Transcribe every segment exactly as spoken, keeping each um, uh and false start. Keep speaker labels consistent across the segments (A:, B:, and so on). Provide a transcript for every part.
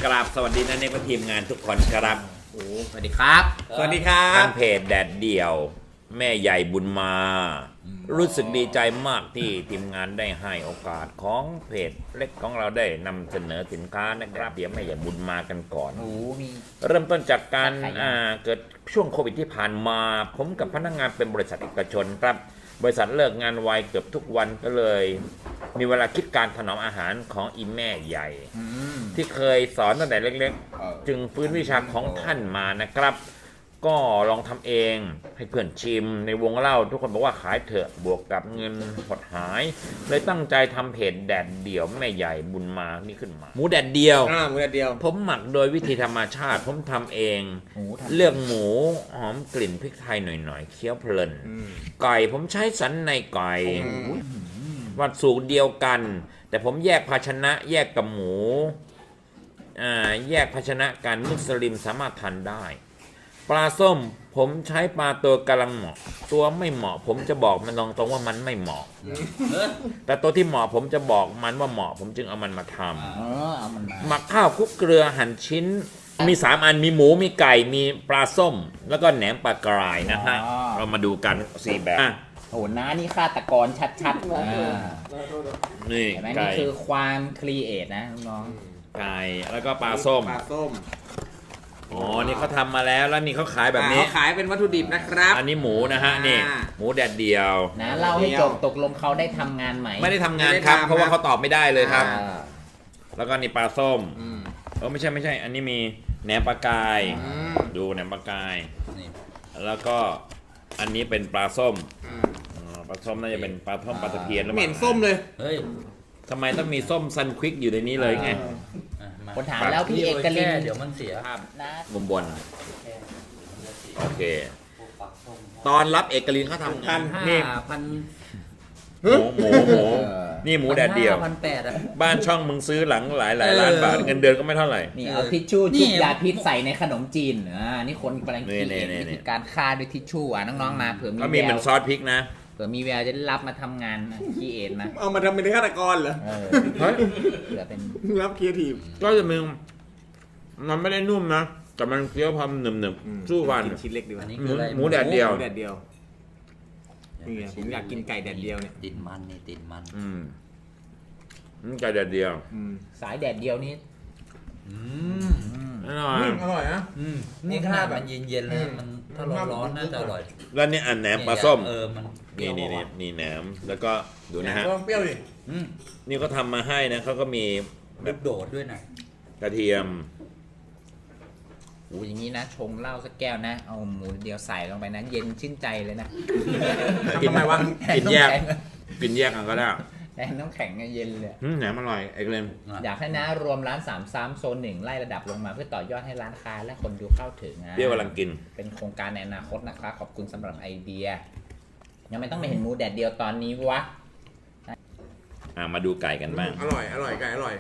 A: กราบสวัสดีนะเนกทีมงานทุกคนครับ
B: โอ้สวัสดีครับ
C: สวัสดีครับ
A: ทางเพจแดดเดี่ยวแม่ใหญ่บุญมารู้สึกดีใจมากที่ทีมงานได้ให้โอกาสของเพจเล็กของเราได้นำเสนอสินค้านะครับเดี๋ยวแม่ใหญ่บุญมากันก่อน
B: โอ้มี
A: เริ่มต้นจากการเกิดช่วงโควิดที่ผ่านมาผมกับพนักงานเป็นบริษัทเอกชนครับบริษัทเลิกงานไวเกือบทุกวันก็เลยมีเวลาคิดการถนอมอาหารของอีแม่ใหญ่ที่เคยสอนตั้งแต่เล็กๆจึงฟื้นวิชาของท่านมานะครับก็ลองทำเองให้เพื่อนชิมในวงเล่าทุกคนบอกว่าขายเถอะบวกกับเงินหดหายเลยตั้งใจทำเพจแดดเดี่ยวแม่ใหญ่บุญมานี่ขึ้นมาหมูแดดเดียว
C: อ่าหมูแดดเดียว
A: ผมหมักโดยวิธีธรรมชาติผมทำเองเลือกหมูหอมกลิ่นพริกไทยหน่อยๆเคี้ยวเพลินไก่ผมใช้สันในไก่วัตถุเดียวกันแต่ผมแยกภาชนะแยกกับหมูอ่าแยกภาชนะกันมุสลิมสามารถทานได้ปลาส้มผมใช้ปลาตัวกำลังเหมาะตัวไม่เหมาะผมจะบอกมันตรงๆว่ามันไม่เหมาะแต่ตัวที่เหมาะผมจะบอกมันว่าเหมาะผมจึงเอามันมาทำหมักข้าวคลุกเกลือหั่นชิ้นมีสามอันมีหมูมีไก่มีปลาส้มแล้วก็แหนมปลากรายนะฮะเรามาดูกันสี่แบบ
B: โอ้น้านี่ฆาตกรชัดๆนี่นี่คือความครีเอทนะน้อง
A: ไก่แล้วก็ปลาส้ม
C: ปลาส้ม
A: อ๋อนี่เขาทำมาแล้วแล้วนี่เขาขายแบบนี้
C: ขายเป็นวัตถุดิบนะครับ
A: อันนี้หมูนะฮะนี่หมูแดดเดียว
B: นะเล่าให้จบตกลงเขาได้ทำงานไหม
A: ไม่ได้ทำงานครับเพราะว่าเขาตอบไม่ได้เลยครับแล้วก็นี่ปลาส้มเออไม่ใช่ไม่ใช่อันนี้มีแหนมปลากายดูแหนมปลากายแล้วก็อันนี้เป็นปลาส้มปลาส้มน่าจะเป็นปลาส้มปลาตะเพียนแล้ว
C: เหม็นส้มเลย
A: เฮ้ยทำไมต้องมีส้มซันควิกอยู่ในนี้เลยไง
B: คนถามแล้วพี่เอกลิน
D: เดี๋ยวมันเสีย
B: นะ
A: บนบนโอเคตอนรับเอกลินเขาทำกันนี่
D: พัน
A: หมูหมูหมูนี่หมูแดดเดียว
D: พันแปดอ่ะ
A: บ้านช่องมึงซื้อหลังหลายหลายล้านบาทเงินเดือนก็ไม่เท่าไหร่
B: นี่เอาทิชชู่จุ่มยาพิษใส่ในขนมจีนอ่านี่คนกำลังคิดวิธีการฆ่าด้วยทิชชู่อ่ะน้องๆมาเผื่อมี
A: ก็มีเหมือนซอสพริกนะ
B: เผื่อมีแววจะรับมาทำงานคีเอทนะ
C: เอามาทำเป็นฆาตกรเหรอ
A: เฮ้ย
B: เผื่อเป็น
C: รับครีเอทีฟ
A: ก็จะมึงมันไม่ได้นุ่มนะแต่มันเคี้ยวพำหนึบๆสู้ฟัน
C: ชิ้นเล็กดีกว่า
A: หมูแดดเดียว
C: แดดเดียวนี่ผมอยากกินไก่แดดเดียวเนี่ย
D: ติดมันนี่ติดมัน
A: อืมไก่แดดเดียว
B: สายแดดเดียวนี้
D: อืม
A: อร่อย
C: อร่อยนะ
D: นี่ขนาดมันเย็นๆเลยมันถ้าร้อนๆน่าจะอร่อย
A: แล้วนี่อันแหนมปลาส้ม
D: เออมัน
A: นี่นี่นี่นี่แหนมแล้วก็ดูนะฮะ
C: เปรี้ยวดิ
A: นี่เขาทำมาให้นะเขาก็มี
D: แบบโดดด้วยนะ
A: กระเทียม
B: โอ้อย่างนี้นะชงเหล้าสักแก้วนะเอาหมูเดียวใส่ลงไปนะเย็นชื่นใจเลยนะ
A: กินไหมวะกินแยกกินแยกกันก็ได้
B: แน่น้ำแข็งเย็นเลย
A: แหนมอร่อยไอ้เกรม
B: อยากให้นะรวมร้านสามซ้ำโซนหนึ่งไล่ระดับลงมาเพื่อต่อยอดให้ร้านค้าและคนดูเข้าถึงนะ
A: เดี๋ยวกำลังกิน
B: เป็นโครงการในอนาคตนะครับขอบคุณสำหรับไอเดียยังไม่ต้องไปเห็นหมูแดดเดียวตอนนี้วะ
A: อ่ามาดูไก่กันบ้าง
C: อร่อยอร่อยไก่อร่อย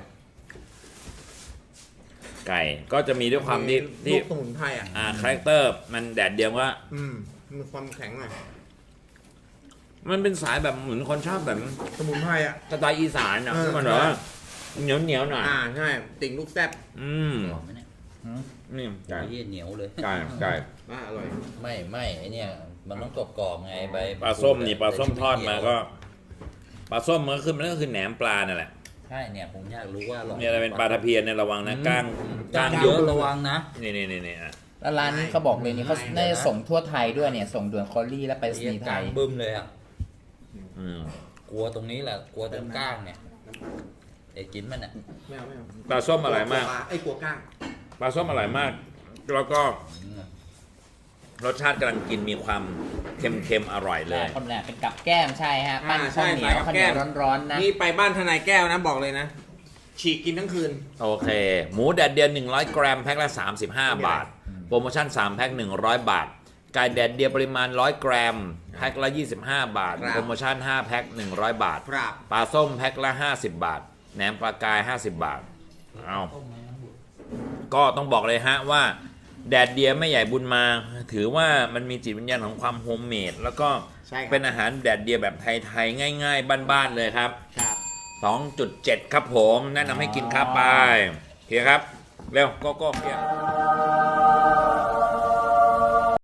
A: ไก่ก็จะมีด้วยความที่ที่
C: สมุนไพรอ่ะ
A: อ่าคาแรคเตอร์มันแดดเดียวว่า
C: อืมมีความแข็งหน่อย
A: มันเป็นสายแบบเหมือนคนชอบแบบ
C: สมุนไพรอ่ะ
A: สไตล์อีสานอ่ะมันแบบว่าเหนียวเหนียวหน่อย
C: อ่าใช่ติ่งลูกแซ่บ
A: อืมนี่ไก่
D: เหนียวเลย
A: ไก่ไก่
C: อ่าอร่อย
D: ไม่ไม่ไอเนี่ยมันต้องกรอบๆไงใบ
A: ปลาส้มนี่ปลาส้มทอดมาก็ปลาส้มมันก็คือมันก็คือแหนมปลานั่นแหละ
D: ใช่เนี่ยผมอยากรู้ว่า
A: เนี่ยอะไรเป็นปลาตะเพียนเนี่ยระวังนะก้าง
D: ก้างเยอะระวังนะ
A: นี่นี่นี่นี่อ่ะ
B: แล้วร้านนี้เขาบอกเลยนี่เขาได้ส่งทั่วไทยด้วยเนี่ยส่งด่วนคอรี่และไปสนีย์ไทย
D: บึ้มเลยอ่ะกลัวตรงนี้แหละกลัวตรงก้างเนี่ยไอ้กินมันอ่ะ
C: ไม่เอาไม่เอา
A: ปลาส้มอร่อยมาก
C: ไอ้กลัวก้าง
A: ปลาส้มอร่อยมากแล้วก็รสชาติกำลังกินมีความเค็มๆอร่อยเลย
B: คนแรกเป็นกับแก้มใช่ฮะปั้นข้าวเหนียวข้าวเหนียวร้อนๆนะ
C: นี่ไปบ้านทนายแก้วนะบอกเลยนะฉีกกินทั้งคืน
A: โอเคหมูแดดเดียวหนึ่งร้อยกรัมแพ็คละสามสิบห้าบาทโปรโมชั่นสามแพ็คหนึ่งร้อยบาทไก่แดดเดียวปริมาณหนึ่งร้อยกรัมแพ็คละยี่สิบห้าบาทโปรโมชั่นห้าแพ็คหนึ่งร้อยบาทปลาส้มแพ็คละห้าสิบบาทแหนมปลากายห้าสิบบาทเอาก็ต้องบอกเลยฮะว่าแดดเดียวแม่ใหญ่บุญมาถือว่ามันมีจิตวิญญาณของความโฮมเมดแล้วก็เป็นอาหารแดดเดียวแบบไทยๆง่ายๆบ้านๆเลยครับ สองจุดเจ็ด ครับผมแนะนำให้กินครับไปโอเคครับเร็วก็ก็เพี้ย